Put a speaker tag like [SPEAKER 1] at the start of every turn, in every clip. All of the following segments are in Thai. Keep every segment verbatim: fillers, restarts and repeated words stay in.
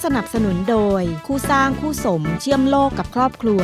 [SPEAKER 1] สนับสนุนโดยคู่สร้างคู่สมเชื่อมโลกกับครอบครัว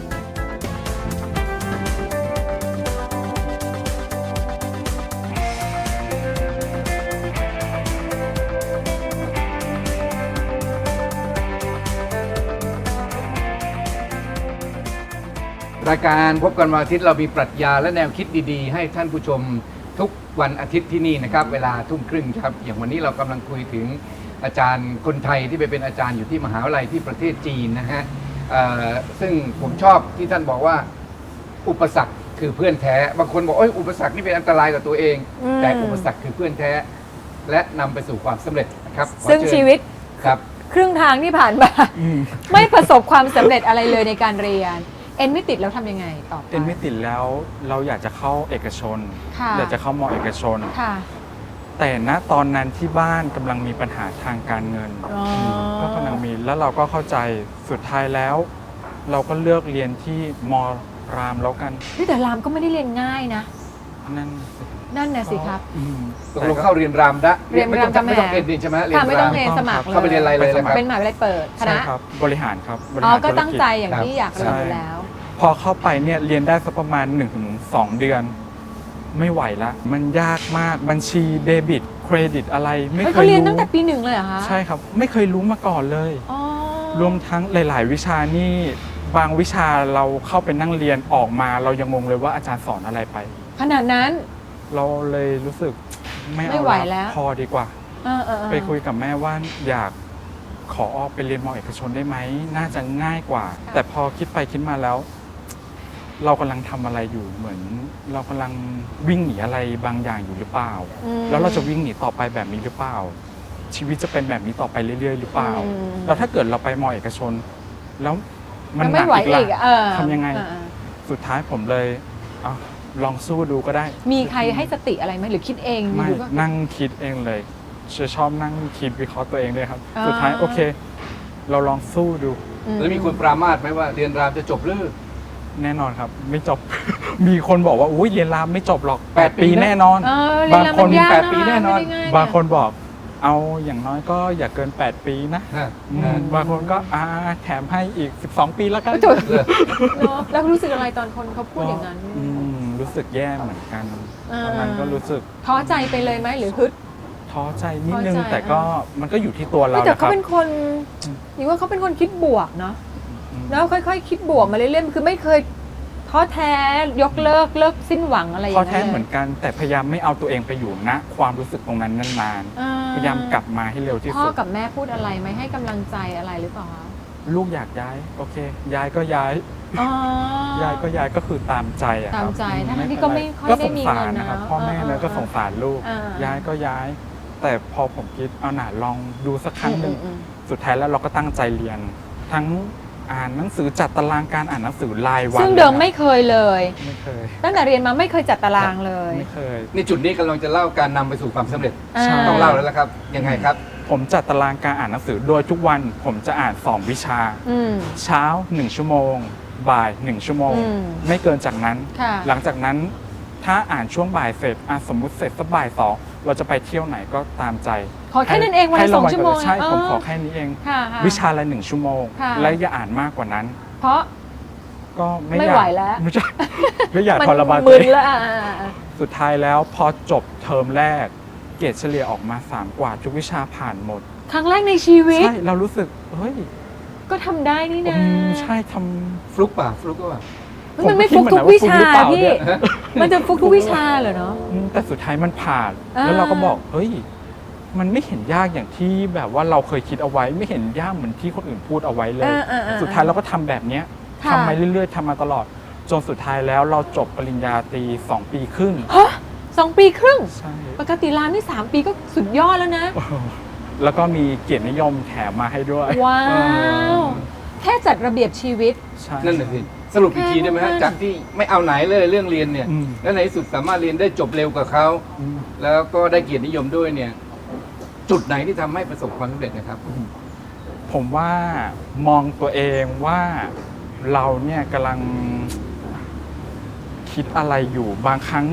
[SPEAKER 2] รายการพบกันวันอาทิตย์เรามีปรัชญาและแนวคิดดีๆให้ท่านผู้ชมทุกวันอาทิตย์ที่นี่นะครับเวลาทุ่มครึ่งครับอย่างวันนี้เรากำลังคุยถึงอาจารย์คนไทยที่ไปเป็นอาจารย์อยู่ที่มหาวิทยาลัยที่ประเทศจีนนะฮะซึ่งผมชอบที่ท่านบอกว่าอุปสรรคคือเพื่อนแท้บางคนบอกโอ้ยอุปสรรคนี่เป็นอันตรายกับตัวเองแต่อุปสรรคคือเพื่อนแท้และนำไปสู่ความสำเร็จนะครับ
[SPEAKER 3] ซึ่งชีวิต
[SPEAKER 2] ครับ
[SPEAKER 3] ครึ่งทางที่ผ่านมาไม่ประสบความสำเร็จอะไรเลยในการเรียนเอ็นไม่ติดแล้วทำยังไงต่อไป
[SPEAKER 4] เอ็นไม่ติดแล้วเราอยากจะเข้าเอกชนอยากจะเข้ามอเอกชนแต่ณตอนนั้นที่บ้านกำลังมีปัญหาทางการเงินก็กำลังมีแล้วเราก็เข้าใจสุดท้ายแล้ว เราก็เลือกเรียนที่มอรามแล้วกัน
[SPEAKER 3] แต่รามก็ไม่ได้เรียนง่ายนะ
[SPEAKER 4] นั่น
[SPEAKER 3] นั่นน่ะสิครับ
[SPEAKER 2] ตกลงเข้าเรียนรามได้
[SPEAKER 3] เรียนราม
[SPEAKER 2] ไม่ต้องเอ็นดีใช่ไหมเรียนราม
[SPEAKER 3] ไม่ต้องเรียนสมัคร
[SPEAKER 2] เข้าไปเรียนอะไรเลยครับ
[SPEAKER 3] เป็นมหาวิทยาลัยเปิดคณะ
[SPEAKER 4] บริหารครับ
[SPEAKER 3] อ๋อก็ตั้งใจอย่างที่อยากเรียนอยู่แล้ว
[SPEAKER 4] พอเข้าไปเนี่ยเรียนได้สักประมาณ หนึ่งถึงสอง เดือนไม่ไหวละมันยากมากบัญชีเดบิตเครดิตอะไรไม่เคยรู้
[SPEAKER 3] เขาเรียนตั้งแต่ปีหนึ่งเลยเหรอคะ
[SPEAKER 4] ใช่ครับไม่เคยรู้มาก่อนเลยรวมทั้งหลายๆวิชานี่บางวิชาเราเข้าไปนั่งเรียนออกมาเรายังงงเลยว่าอาจารย์สอนอะไรไป
[SPEAKER 3] ขนาดนั้น
[SPEAKER 4] เราเลยรู้สึกไม่เอาแล้วพอดีกว่าไปคุยกับแม่ว่าอยากขอออกไปเรียนมอเอกชนได้ไหมน่าจะง่ายกว่าแต่พอคิดไปคิดมาแล้วเรากำลังทำอะไรอยู่เหมือนเรากำลังวิ่งหนีอะไรบางอย่างอยู่หรือเปล่าแล้วเราจะวิ่งหนีต่อไปแบบนี้หรือเปล่าชีวิตจะเป็นแบบนี้ต่อไปเรื่อยๆหรือเปล่าแล้วถ้าเกิดเราไปมอเอกชนแล้วมันหนักอีกล่ะทำยังไงสุดท้ายผมเลยเอาลองสู้ดูก็ได้
[SPEAKER 3] มีใครให้สติอะไรไหมหรือคิดเอง
[SPEAKER 4] ไม่นั่งคิดเองเลยชอบนั่งคิดวิเคราะห์ตัวเองเลยครับสุดท้ายโอเคเราลองสู้ดู
[SPEAKER 2] แล้วมีคนปรามาสไหมว่าเรียนรามจะจบหรือ
[SPEAKER 4] แน่นอนครับไม่จบ มีคนบอกว่าอุ้ยเรียนรามไม่จบหรอกแปดปีแน่นอน
[SPEAKER 3] บางคน
[SPEAKER 2] แปดปีแน่นอน
[SPEAKER 4] บางคนบอกเอาอย่างน้อยก็อย่าเกินแปดปีนะบางคนก็อ่าแถมให้อีกสิบสองปีแล้วกัน
[SPEAKER 3] แล้วรู้สึกอะไรตอนคนเขาพูดอย่างนั้น
[SPEAKER 4] รู้สึกแย่เหมือนกันตอนนั้นก็รู้สึก
[SPEAKER 3] ท้อใจไปเลยไหมหรือฮึด
[SPEAKER 4] ท้อใจนิดนึงแต่ก็มันก็อยู่ที่ตัวเรา
[SPEAKER 3] แต่เขาเป็นคนนี่ว่าเขาเป็นคนคิดบวกเนาะแล้วค่อยๆคิดบวกมาเรื่อยๆคือไม่เคยท้อแท้ยกเลิกเลิกสิ้นหวังอะไรอย่าง
[SPEAKER 4] เงี้ยท้อแท้เหมือนกันแต่พยายามไม่เอาตัวเองไปอยู่ณความรู้สึกตรงนั้นนานๆพยายามกลับมาให้เร็วที่สุด
[SPEAKER 3] พ่อกับแม่พูดอะไรไหมให้กำลังใจอะไรหรือเปล่าคะ
[SPEAKER 4] ลูกอยากย้ายโอเคย้ายก็ย้ายย้ายก็ย้ายก็คือตามใจอะ
[SPEAKER 3] ครับตามใจทั้งที่ก็ไม่ค่อยได้มีเงิน
[SPEAKER 4] นะครับพ่อแม่เนี่ยก็สงสารลูกย้ายก็ย้ายแต่พอผมคิดเอาหน่าลองดูสักครั้งหนึ่งสุดท้ายแล้วเราก็ตั้งใจเรียนทั้งอ่านหนังสือจัดตารางการอ่านหนังสือรายวัน
[SPEAKER 3] ซึ่งเดิมไม่เคยเลย
[SPEAKER 4] ไม่เคย
[SPEAKER 3] ตั้งแต่เรียนมาไม่เคยจัดตารางเลย
[SPEAKER 4] ไม่เคย
[SPEAKER 2] ในจุดนี้กำลังจะเล่าการนำไปสู่ความสำเร็จต้องเล่าแล้วละครับยังไงครับ
[SPEAKER 4] ผมจัดตารางการอ่านหนังสือโดยทุกวันผมจะอ่านสองวิชาเช้าหนึ่งชั่วโมงบ่ายหนึ่งชั่วโมงไม่เกินจากนั้นหลังจากนั้นถ้าอ่านช่วงบ่ายเสร็จสมมุติเสร็จสักบ่ายสองเราจะไปเที่ยวไหนก็ตามใจ
[SPEAKER 3] ขอแค่นั้นเองวันละสองชั่วโมง
[SPEAKER 4] ใช่ผมขอแค่นี้เองวิชาละหนึ่งชั่วโมงและอย่าอ่านมากกว่านั้น
[SPEAKER 3] เพราะ
[SPEAKER 4] ก็
[SPEAKER 3] ไม่ไหวแล้ว
[SPEAKER 4] ไม่ใช่ไม่อยากทรมาน
[SPEAKER 3] ตัวเอง
[SPEAKER 4] สุดท้ายแล้วพอจบเทอมแรกเกรดเฉลี่ยออกมาสามกว่าทุกวิชาผ่านหมด
[SPEAKER 3] ครั้งแรกในชีวิต
[SPEAKER 4] ใช่เรารู้สึกเฮ้ย
[SPEAKER 3] ก็ทำได้นี่นะ
[SPEAKER 4] ใช่ทำ
[SPEAKER 2] ฟลุกป่ะฟลุกก็ว่า
[SPEAKER 3] มันไม่ฟุกทุกวิชาพี่มันจะฟุกทุกวิชาเหรอเนาะ
[SPEAKER 4] แต่สุดท้ายมันผ่านแล้วเราก็บอกเฮ้ยมันไม่เห็นยากอย่างที่แบบว่าเราเคยคิดเอาไว้ไม่เห็นยากเหมือนที่คนอื่นพูดเอาไว้เลยสุดท้ายเราก็ทำแบบนี้ทำมาเรื่อยๆทำมาตลอดจนสุดท้ายแล้วเราจบปริญญาตรีสองปีครึ่ง
[SPEAKER 3] ฮะสองปีครึ่งปกติรามนี่สามปีก็สุดยอดแล้วนะ
[SPEAKER 4] แล้วก็มีเกียรตินิยมแถมมาให้ด้วย
[SPEAKER 3] ว้าวแค่จัดระเบียบชีวิต
[SPEAKER 2] นั่นแหละสิสรุปอีกทีได้ไหมฮะจากที่ไม่เอาไหนเลยเรื่องเรียนเนี่ยแล้วในที่สุดสามารถเรียนได้จบเร็วกว่าเขาแล้วก็ได้เกียรตินิยมด้วยเนี่ยจุดไหนที่ทำให้ประสบความสำเร็จนะครับ
[SPEAKER 4] ผมว่ามองตัวเองว่าเราเนี่ยกำลังคิดอะไรอยู่บางครั้ง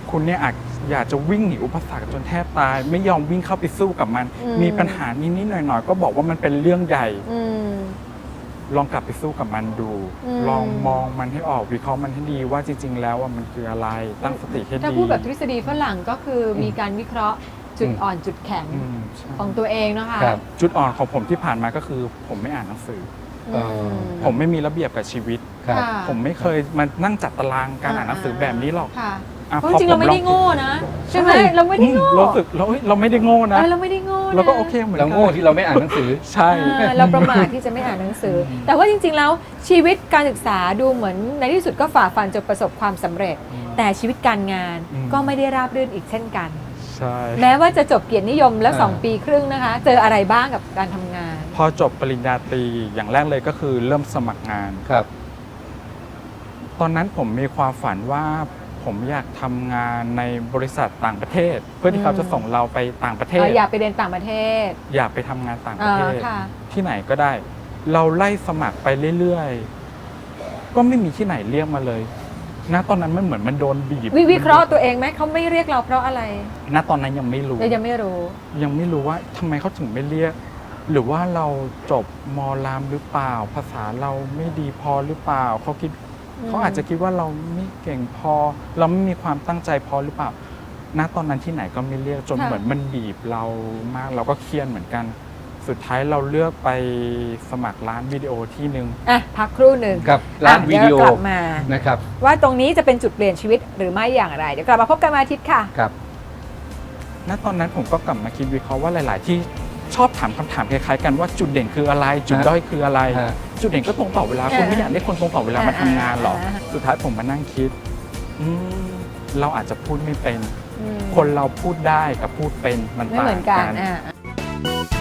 [SPEAKER 4] คุณเนี่ยอาจอยากจะวิ่งหนีอุปสรรคจนแทบตาย ไม่ยอมวิ่งเข้าไปสู้กับมัน
[SPEAKER 3] อืม
[SPEAKER 4] มีปัญหานิดๆหน่อยๆก็บอกว่ามันเป็นเรื่องใหญ่
[SPEAKER 3] อืม
[SPEAKER 4] ลองกลับไปสู้กับมันดู
[SPEAKER 3] อืม
[SPEAKER 4] ลองมองมันให้ออกวิเคราะห์มันให้ดีว่าจริง ๆ แล้วว่ามันคืออะไรตั้งสติให้ดี
[SPEAKER 3] ถ้าพูดแบบทฤษฎีฝรั่งก็คือมีการวิเคราะห์จุดอ่อนจุดแข็ง
[SPEAKER 4] อืมใช่
[SPEAKER 3] ของตัวเองนะคะ
[SPEAKER 2] ครับ
[SPEAKER 4] จุดอ่อนของผมที่ผ่านมาก็คือ ผมไม่อ่านหนังสือ
[SPEAKER 3] อืม
[SPEAKER 4] ผมไม่มีระเบียบกับชีวิต
[SPEAKER 2] ครับ
[SPEAKER 3] ค่ะ
[SPEAKER 4] ผมไม่เคยมานั่งจัดตารางการอ่านหนังสือแบบนี้หรอก
[SPEAKER 3] ค่ะ
[SPEAKER 4] อ่ะ
[SPEAKER 3] เพราะจริงๆเราไม่ได้โง่นะใช่ไหมเราไม่ได้โง่
[SPEAKER 4] อืมเราสึกเราเอ้ยเราไม่ได้โง่นะ
[SPEAKER 3] เออเราไม่ได้โง่นะ
[SPEAKER 4] เราก็โอเคเหมือนกั
[SPEAKER 2] เราโง่ที่เราไม่อ่านหนังสือ
[SPEAKER 4] ใช่
[SPEAKER 3] อ่าเราประมาทที่จะไม่อ่านหนังสือ แต่ว่าจริงๆแล้วชีวิตการศึกษาดูเหมือนในที่สุดก็ฝ่าฟันจนประสบความสำเร็จ แต่ชีวิตการงานก็ไม่ได้ราบรื่นอีกเช่นกัน
[SPEAKER 4] ใช่
[SPEAKER 3] แม้ว่าจะจบเกียรตินิยมแล้ว
[SPEAKER 2] อ่า
[SPEAKER 3] สองปีครึ่งนะคะ เจออะไรบ้างกับการทำงาน
[SPEAKER 4] พอจบปริญญาตรีอย่างแรกเลยก็คือเริ่มสมัครงาน
[SPEAKER 2] ครับ
[SPEAKER 4] ตอนนั้นผมมีความฝันว่าผมอยากทำงานในบริษัทต่างประเทศ เพื่อที่เขาจะส่งเราไปต่างประเทศ
[SPEAKER 3] เอ่ออยากไปเรียนต่างประเทศ
[SPEAKER 4] อยากไปทำงานต่างประเทศ
[SPEAKER 3] อ่าค่ะ
[SPEAKER 4] ที่ไหนก็ได้ เราไล่สมัครไปเรื่อยๆ ก็ไม่มีที่ไหนเรียกมาเลย ณ ตอนนั้นมันเหมือนมันโดนบีบ
[SPEAKER 3] วิวิเคราะห์ตัวเองไหมเขาไม่เรียกเราเพราะอะไร
[SPEAKER 4] ณ ตอนนั้นยังไม่รู้
[SPEAKER 3] เรายังไม่รู้
[SPEAKER 4] ยังไม่รู้ว่าทำไมเขาถึงไม่เรียก หรือว่าเราจบมอรามหรือเปล่า ภาษาเราไม่ดีพอหรือเปล่าเขาคิด
[SPEAKER 3] อืม
[SPEAKER 4] เขาอาจจะคิดว่าเราไม่เก่งพอ เราไม่มีความตั้งใจพอหรือเปล่า ณ ตอนนั้นที่ไหนก็ไม่เรียกจน
[SPEAKER 3] ค่ะ
[SPEAKER 4] เหมือนมันบีบเรามากเราก็เครียดเหมือนกัน สุดท้ายเราเลือกไปสมัครร้านวิดีโอที่หนึ่ง
[SPEAKER 3] อ่ะพักครู่หนึ่ง
[SPEAKER 2] กับร้าน
[SPEAKER 3] อ่ะ
[SPEAKER 2] วิดีโอ
[SPEAKER 3] เยวกลับมา
[SPEAKER 2] นะครับ
[SPEAKER 3] ว่าตรงนี้จะเป็นจุดเปลี่ยนชีวิตหรือไม่อย่างไร เดี๋ยวกลับมาพบกันวันอาทิตย์ค่ะ
[SPEAKER 2] ครับ
[SPEAKER 4] ณตอนนั้นผมก็กลับมาคิดวิเคราะห์ว่าหลาย ๆ ที่ชอบถามคำถามคล้าย ๆ กันว่าจุดเด่นคืออะไร จุดด้อยคืออะไร
[SPEAKER 2] ฮะ
[SPEAKER 4] จุดเด่นก็ตรงต่อเวลา
[SPEAKER 3] อ่า
[SPEAKER 4] คุณไม่อยากได้คนตรงต่อเวลามาทำงานหรอก
[SPEAKER 3] อ่า
[SPEAKER 4] สุดท้ายผมมานั่งคิดอืมเราอาจจะพูดไม่เป็น
[SPEAKER 3] อืม
[SPEAKER 4] คนเราพูดได้กับพูดเป็นมัน
[SPEAKER 3] ไม่
[SPEAKER 4] ต่า
[SPEAKER 3] เหมื
[SPEAKER 4] ง
[SPEAKER 3] อนกัน
[SPEAKER 4] กัน
[SPEAKER 3] อ่ะ